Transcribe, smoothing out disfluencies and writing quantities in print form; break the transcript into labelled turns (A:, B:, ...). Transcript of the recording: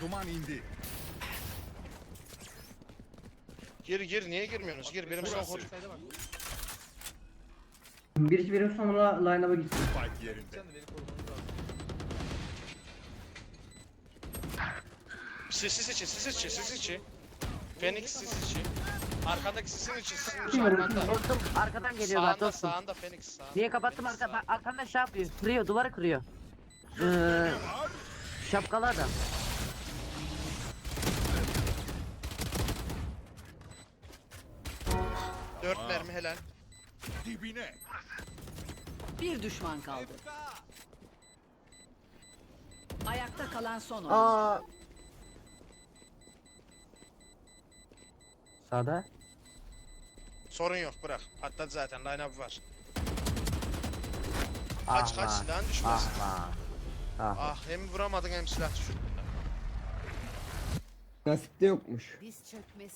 A: Duman indi.
B: Gir niye girmiyorsunuz? Gir benim son koç.
C: Sayda bak.
D: Birisi benim sonra line-up'a gitsin.
A: Spike yerinde.
C: Sen de beni korumanız lazım.
B: Siz içi. Phoenix siz içi. Arkadaki sizin içi. Sizin içi
D: Bilmiyorum,
B: arkanda.
E: Dostum arkadan geliyor bak
B: Sağında
E: dostum.
B: sağında Phoenix sağında.
E: Niye kapattım arkamda şey yapıyor. Kırıyor duvarı kırıyor. Şapkalı adam.
B: Dört mermi helal.
A: Dibine.
F: Bir düşman kaldı. Ayakta kalan son oyuncu.
E: Aa. Sağda.
B: Sorun yok bırak. Hatta zaten line up var. Kaç silahın düşmesin. Ah hem vuramadın hem silah düşürdün.
G: Nasipte yokmuş.
F: Diz çökmesi